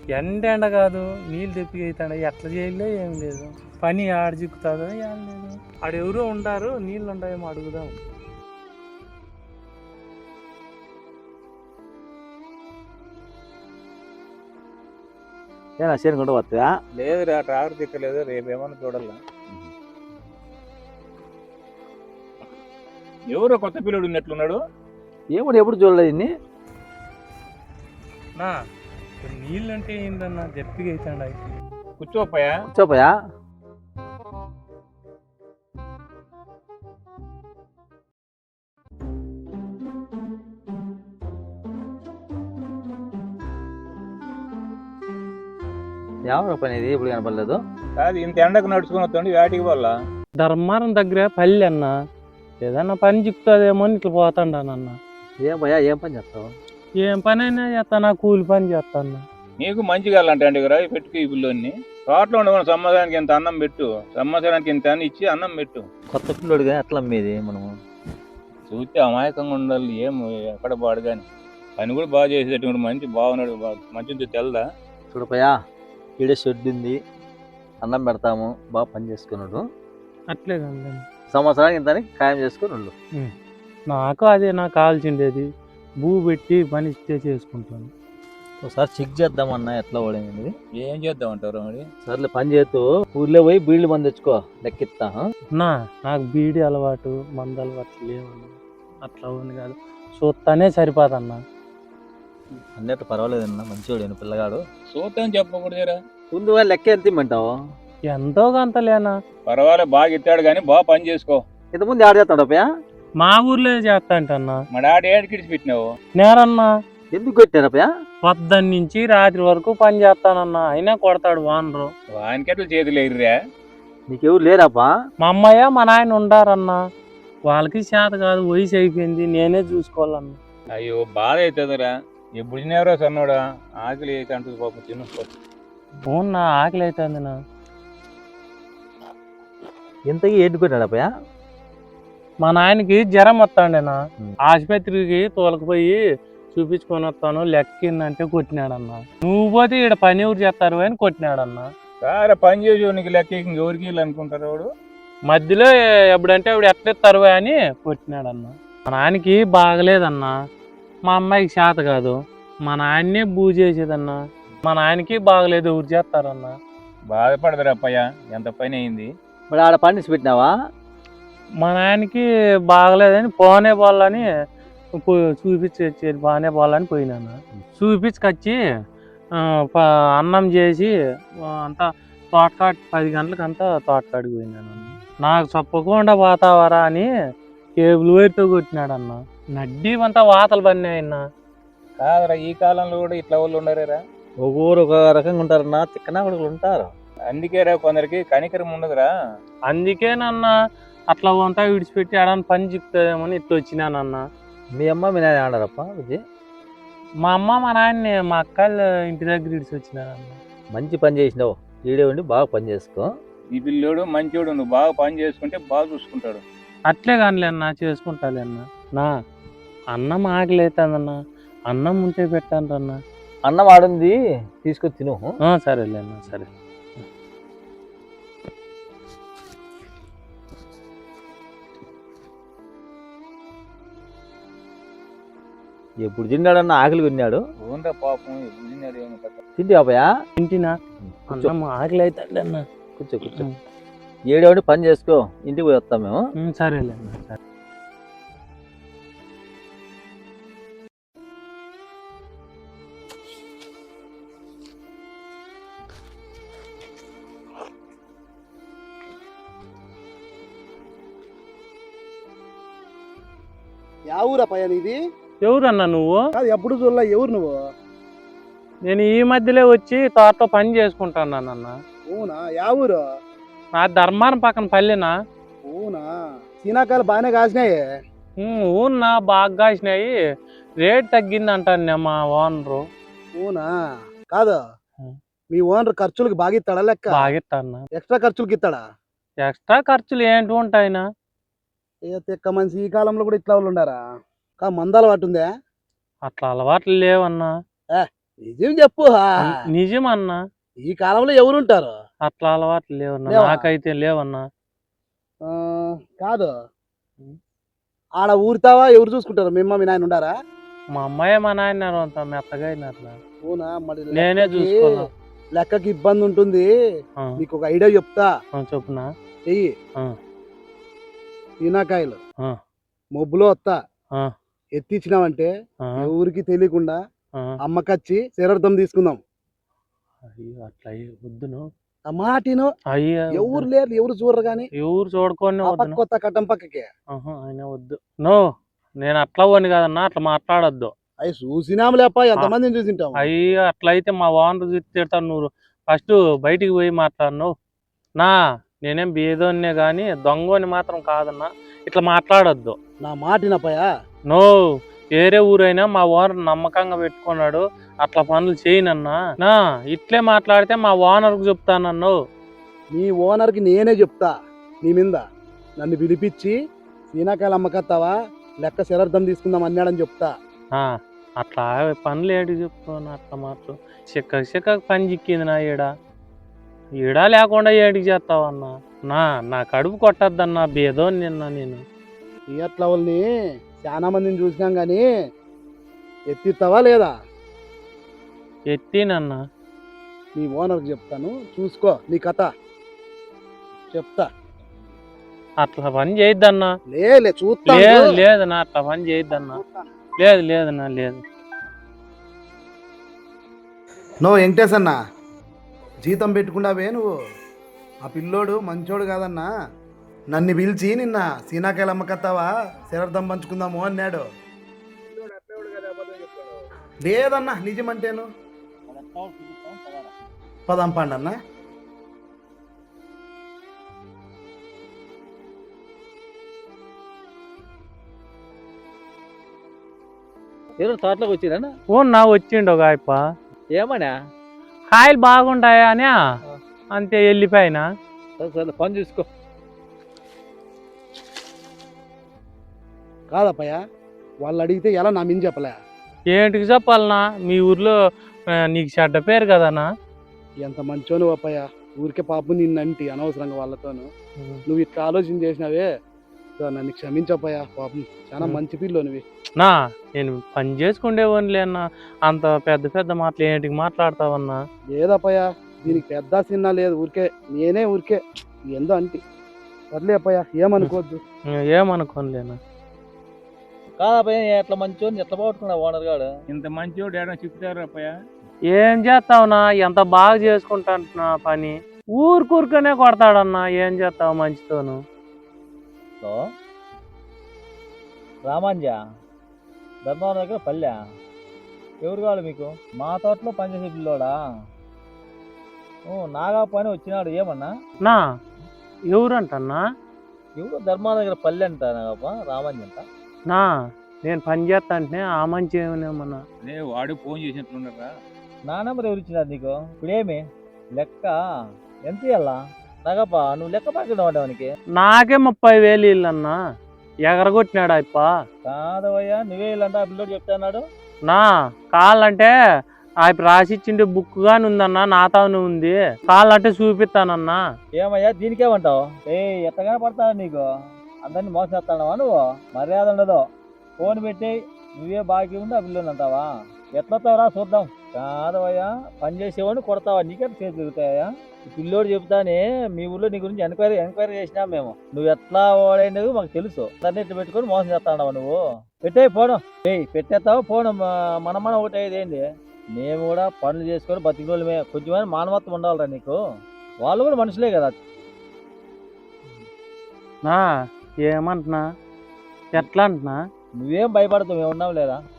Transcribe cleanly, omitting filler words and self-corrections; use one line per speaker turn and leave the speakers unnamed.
ఎండ కాదు నీళ్ళు తెప్పి అవుతాడు ఎట్లా చేయలే ఏం లేదు పని ఆడ చిక్కుతుందో ఏం లేదు ఆడెవరో ఉంటారు నీళ్ళు ఉంటాయేమో అడుగుదాం.
ఏనా చేను కొంట వస్తా
లేదురా ట్రాక్టర్ తిక్కలేదు, రేపు ఏమన్నా చూడాలా. ఎవరో కొత్త పిల్లడు ఉన్నట్లున్నాడు.
ఏమో ఎప్పుడు చూడలేదు ఇన్ని.
నా నీళ్ళు అంటే ఏందన్నా దెప్పిగా అవుతాడు
కూర్చోపోయా
కూర్చోపోయా. ఎవరు పని ఇది ఇప్పుడు కనపడలేదు.
కాదు ఇంత ఎండకు నడుచుకుని వస్తుంది వేటికి వల్ల.
ధర్మారం దగ్గర పల్లె అన్న ఏదన్నా పని చిక్కుతుందేమో అని ఇట్లా పోతాడానన్న.
ఏం భయా ఏం పని చేస్తావు?
ఏం పని అయినా చేస్తాను, కూలి పని చేస్తాను.
నీకు మంచిగా అంటే కదా పెట్టుకు ఈ పిల్లోని తోటలో ఉండకుండా సంవత్సరానికి ఇంత అన్నం పెట్టు, సంవత్సరానికి ఇంత అని ఇచ్చి అన్నం పెట్టు.
కొత్త పిల్లోడు కానీ ఎట్లా అమ్మేది మనము?
చూస్తే అమాయకంగా ఉండాలి, ఏం ఎక్కడ పాడు కానీ పని కూడా బాగా చేసేటటువంటి మంచి బాగున్నాడు, మంచిది తెల్దా.
చూడపోయా ఈడే షెడ్ ఉంది, అన్నం పెడతాము, బాగా పని చేసుకున్నాడు.
అట్లే కదా
సంవత్సరానికి ఇంత ఖాయం చేసుకుని
నాకు అదే నాకు కావాల్సిండేది, భూ పెట్టి పని ఇస్తే చేసుకుంటాను.
ఒకసారి చెక్ చేద్దామన్నా ఎట్లా ఓడింది.
ఏం చేద్దామంటారు మరి?
సర్లే పని చేస్తూ ఊర్లో పోయి బీళ్ళు మంది తెచ్చుకో, లెక్కిస్తా.
నాకు బీడి అలవాటు మందు అలవాటు లేవన్నా, అట్లా ఉంది కాదు చూస్తానే సరిపోదన్నా.
అన్నట్టు పర్వాలేదన్నా, మంచివాడు పిల్లగాడు.
చూద్దాం చెప్పకూడదురా.
ముందు లెక్క ఎంత ఇమ్మంటావు?
ఎంతో కొంత లేనా
పర్వాలేదు, బాగా ఇస్తాడు కానీ బాగా పని చేసుకో.
ఇంతకుముందు ఆడ చేస్తాడు అప్పయా?
మా ఊర్లో చేస్తా అంటన్నా.
మా డాడీ ఏడు కిడిచి పెట్టినావు
నేరన్నా.
ఎందుకు కొట్టారు అప్పయా?
పొద్దున్న నుంచి రాత్రి వరకు పని చేస్తానన్నా, అయినా కొడతాడు వానరు.
వానికెట్లు చేతులు ఎగిరిరా?
నీకెవరు లేరాపా?
మా అమ్మయ్య మా నాయన ఉండారన్నా, వాళ్ళకి చేత కాదు, వయసు అయిపోయింది, నేనే చూసుకోవాలన్నా.
అయ్యో బాధ అవుతుందిరా. ఎప్పుడు తినేవరో సన్నోడా, ఆకలి అయితే అంటుంది పాపం, తినుకో.
అవునా ఆకలి అవుతుంది నా.
ఇంతకీ ఏంటి కొట్టాడు అప్పయా?
మా నాయనకి జ్వరం వస్తాండేనా, ఆసుపత్రికి తోలకపోయి చూపించుకొని వస్తాను, లెక్కిందంటే కొట్టినాడన్నా. నువ్వు పోతే ఇక్కడ పని ఎవరు చేస్తారు అని కొట్టినాడన్నా.
సారే పని చేసి నీకు లెక్క ఎవరికి అనుకుంటారు వాడు.
మధ్యలో ఎప్పుడంటే అప్పుడు ఎట్లెత్తారు అని కొట్టినాడన్నా. మా నాయనకి బాగలేదన్నా, మా అమ్మాయికి చేత కాదు, మా నాయన్నే బూ చేసేదన్నా. మా నాయనకి బాగలేదు, ఎవరు చేస్తారన్నా.
బాధపడదురా అప్పయ్య, ఎంత పని అయింది.
మరి ఆడ పండిసి పెట్టినావా?
మా నాయనకి బాగలేదని పోనే పోవాలని చూపించి బాగానే పోవాలని పోయినాను. చూపించుకొచ్చి అన్నం చేసి అంతా తోటకాడి 10 గంటలకంతా తోటకాడికి పోయినాను. నాకు చెప్పకుండా పోతావరా అని కేబుల్ వైర్తో కొట్టినాడన్న. నడ్డీ అంతా వాతలు పడినాయన్నా.
కాదరా, ఈ కాలంలో కూడా ఇట్లా వాళ్ళు ఉండరేరా?
ఒక్కొరు ఒక రకంగా ఉంటారన్నా, తిక్కనా కొడుకులు ఉంటారు.
అందుకేరా కొందరికి కనికరం ఉండదురా.
అందుకేనన్నా అట్లా అంతా విడిచిపెట్టి ఆడని పని చిక్కుతుందేమని ఇట్లా వచ్చినానన్నా.
మీ అమ్మ మీ నాయన ఆడారప్ప విజయ్?
మా అమ్మ మా నాయన్ని మా అక్కలు ఇంటి దగ్గర ఇడిచి వచ్చినారన్న.
మంచి పని చేసినావు, ఈడే ఉండి బాగా పని చేసుకో.
ఈ పిల్లోడు మంచోడు, నువ్వు బాగా పని చేసుకుంటే బాగా చూసుకుంటాడు.
అట్లే కానిలే అన్న, చేసుకుంటాలే అన్న. నా అన్నం ఆకలి అవుతుందన్నా, అన్నం ఉంటే పెట్టాను అన్న.
అన్నం ఆడుంది, తీసుకొని తిను.
సరేలే అన్న, సరే.
ఎప్పుడు తిన్నాడన్న ఆకలి కొన్నాడు.
ఓన్రా పాపం, ఎప్పుడు తిన్నాడు ఏమో కదా.
తింటి బాబయా?
ఇంటినా అన్నం ఆకలి అవుతాడు అన్న.
కూర్చో కూర్చో, ఏడే ఉండి పని చేసుకో, ఇంటికి పోయి వస్తాం మేము.
సరేలే అన్న, సరే.
యా ఊరా పయ్య నీది?
ఎవరన్నా నువ్వు?
ఎప్పుడు చూడలే, ఎవరు నువ్వు?
నేను ఈ మధ్యలో వచ్చి తోటలో పని చేసుకుంటానన్న.
అవునా, యా ఊరు?
నా ధర్మారం పక్కన పల్లెనా.
అవునా, సీనాకాయలు బాగానే కాసినాయి.
ఊన్నా బాగా కాసినాయి, రేట్ తగ్గింది అంటాను మా ఓనరు.
అవునా, కాదు మీ ఓనర్ ఖర్చులకి బాగా ఇస్తాడా? లెక్క
బాగా ఇస్తాను.
ఎక్స్ట్రా ఖర్చులకి ఇస్తాడా?
ఎక్స్ట్రా ఖర్చులు ఏంటి ఉంటాయినా?
ఏ తిక్క మనిషి, ఈ కాలంలో కూడా ఇట్లా వాళ్ళు ఉండారా? మంద అలవాటు ఉందే?
అట్లా అలవాట్లు లేవన్నా.
నిజం చెప్పు
నిజమన్నా.
ఈ కాలంలో ఎవరుంటారు?
అట్లా అలవాట్లు లేవన్నా,
లేవా?
నాకైతే లేవన్నా.
ఆ, కాదు, ఆడ ఊరుతావా? ఎవరు చూసుకుంటారు? మీ అమ్మ మీ నాయన ఉండారా?
మా అమ్మాయి మా నాయన అంత మెత్తగా అయినారు.
అవునా? మరి
నేనే చూసుకోవాలా.
లెక్కకి ఇబ్బంది ఉంటుంది.
ఆ,
నీకు ఒక ఐడియా చెప్తా.
చెప్పునా.
చెయ్యి.
ఆ,
సీనాకాయలు
ఆ,
మొబ్బులో వస్తా
ఆ,
ఎత్తిచ్చినావంటే
ఆ,
ఎవరికి తెలియకుండా
ఆ.
అమ్మకచ్చి శరార్థం తీసుకుందాం.
అయ్యో అట్లా వద్దును.
ఆ మాటిను.
అయ్యా
ఎవరు లేరు, ఎవరు చూడరు గాని
ఎవరు చూడుకొని
ఆ పక్క
వద్దును.
కొత్త కట్టం పక్కకి
ఆయన వద్దు. నో, నేను అట్లా పోను కదన్నా, అట్లా మాట్లాడొద్దు.
అవి చూసినాము లేప, ఎంతమందిని చూసింటాము.
అయ్యో అట్లయితే మా ఓనర్ తిడతాను. నువ్వు ఫస్ట్ బయటికి పోయి మాట్లాడను. నా నేనేం బేదోన్నే కానీ దొంగని మాత్రం కాదన్నా, ఇట్లా మాట్లాడొద్దు.
నా మాటినపయా.
నో, వేరే ఊరైనా మా ఓనర్ నమ్మకంగా పెట్టుకున్నాడు, అట్లా పనులు చేయనన్నా. నా ఇట్లే మాట్లాడితే మా ఓనర్కు చెప్తానన్ను.
నీ ఓనర్కి నేనే చెప్తా నీ మీద. నన్ను పిలిపించి సీనాకాయలు అమ్మకత్తావా, లెక్క శరార్థం తీసుకుందాం అన్నాడని చెప్తా.
అట్లా పనులు ఏడు చెప్తాను. అట్లా మాత్రం చిక్క పని చిక్కింది నా ఈడ లేకుండా ఏడికి చేస్తావన్నా. నా కడుపు కొట్టద్దన్నా, బేదో నిన్న నేను.
థియేటర్ వాళ్ళని చాలా మందిని చూసినాం కానీ ఎత్తిస్తావా లేదా?
ఎత్తినన్నా.
నీ ఓనర్కి చెప్తాను, చూసుకో నీ కథ చెప్తా.
అట్లా పని చేయొద్దన్నా.
లే చూస్తా.
లేదన్నా, అట్లా పని చేయొద్దన్నా. లేదన్నా, లేదు.
నో వెంకటేష్ అన్న, జీతం పెట్టుకున్నావే నువ్వు. ఆ పిల్లోడు మంచోడు కాదన్నా. నన్ను పిలిచి నిన్న సీనాకాయలు అమ్మకత్తావా శరార్థం పంచుకుందాము అన్నాడు. లేదన్నా, నిజమంటేను. పదాం పండన్నా.
ఎవరు తోటలోకి వచ్చిరన్నా?
నా వచ్చిండు ఒక ఆయప్ప.
ఏమన్నా?
కాయలు బాగుంటాయా అని అంతే వెళ్ళిపోయినా.
సరే పని చూసుకో.
కాదప్పయ్య, వాళ్ళు అడిగితే ఎలా నా మీద చెప్పలే?
ఏంటికి చెప్పాలనా? మీ ఊర్లో నీకు చెడ్డ పేరు కదనా.
ఎంత మంచోను అప్పయ్య, ఊరికే పాపం నిన్నంటి అనవసరంగా వాళ్ళతోను. నువ్వు ఇట్లా ఆలోచన చేసినావే, నన్ను క్షమించప్పయ్యా. పాపం చాలా మంచి పిల్లో నువ్వు.
నేను పని చేసుకుండేవాడిలే అన్నా, అంత పెద్ద మాటలు ఏంటికి మాట్లాడతావన్నా?
లేదప్పయ్య, దీనికి పెద్ద చిన్న లేదు, ఊరికే నేనే ఊరికే ఏందో అంటి. సర్లే అప్పయ్య, ఏమనుకోవద్దు.
ఏమనుకోలేనా?
కాదప్పయ్య, ఎట్లా మంచోని ఎట్లా పోగొట్టుకున్నావు ఓనర్ గాడు?
ఇంత మంచివాడు ఏడా చెప్తారు అప్పయ్య.
ఏం చేస్తావునా? ఎంత బాగా చేసుకుంటా పని, ఊరుకూరుకనే కొడతాడన్నా. ఏం చేస్తావు మంచితోను?
రామాంజ ధర్మవరం దగ్గర పల్లె. ఎవరు కావాలి మీకు? మా తోటలో పనిచేసే పిల్లోడా? నాగా పని వచ్చినాడు. ఏమన్నా?
ఎవరంటన్నా?
ఎవరు ధర్మవరం దగ్గర పల్లె అంట నాగప్ప, రామాంజ అంట.
నేను పని చేస్తా అంటే ఆ మంచి ఏమన్నా?
వాడు ఫోన్ చేసినట్లున్నారా?
నా నెంబర్ ఎవరు ఇచ్చినారు నీకు? ఇప్పుడేమి లెక్క ఎంత ఇయ్యాలా? నాగప్ప నువ్వు లెక్క పాకెట్ వాడడానికి
నాకే 30,000 ఇల్లన్నా. ఎగరగొట్టినాడు అప్ప.
కాదవయ్యా, నువ్వే ఇల్లంట ఆ పిల్లోడు చెప్తాన్నాడు.
కాళ్ళంటే ఆయన రాసిచ్చిండే బుక్ గాని ఉందన్నా, నాతోనే ఉంది. కాళ్ళంటే చూపిస్తానన్నా.
ఏమయ్యా దీనికేమంటావు? ఎత్తగానే పడతావు నీకు? అందరినీ మోసం చేస్తానవా నువ్వు? మర్యాద ఉండదు. ఫోన్ పెట్టి నువ్వే బాకీ ఉంది ఆ పిల్లోని అంటావా? ఎట్లొస్తావురా చూద్దాం. కాదవయ్యా, పని చేసేవాడిని కొడతావా? నీకే చేతి తిరుగుతాయా? ఈ పిల్లోడు చెప్తానే మీ ఊళ్ళో నీ గురించి ఎంక్వైరీ చేసినాం మేము. నువ్వు ఎట్లా ఓడైనవి మాకు తెలుసు. దాన్ని ఇట్లా పెట్టుకొని మోసం చేస్తావు నువ్వు. పెట్టేయి ఫోను. పెట్టేస్తావు ఫోను. మన ఒకటి అయ్యేది ఏంటి? మేము కూడా పనులు చేసుకొని బతికి రోజులమే. కొంచెమైనా మానవత్వం ఉండాలిరా నీకు. వాళ్ళు కూడా మనుషులే కదా.
ఏమంటున్నా? ఎట్లా అంటున్నా?
నువ్వేం భయపడతావు, మేము ఉన్నాం లేదా?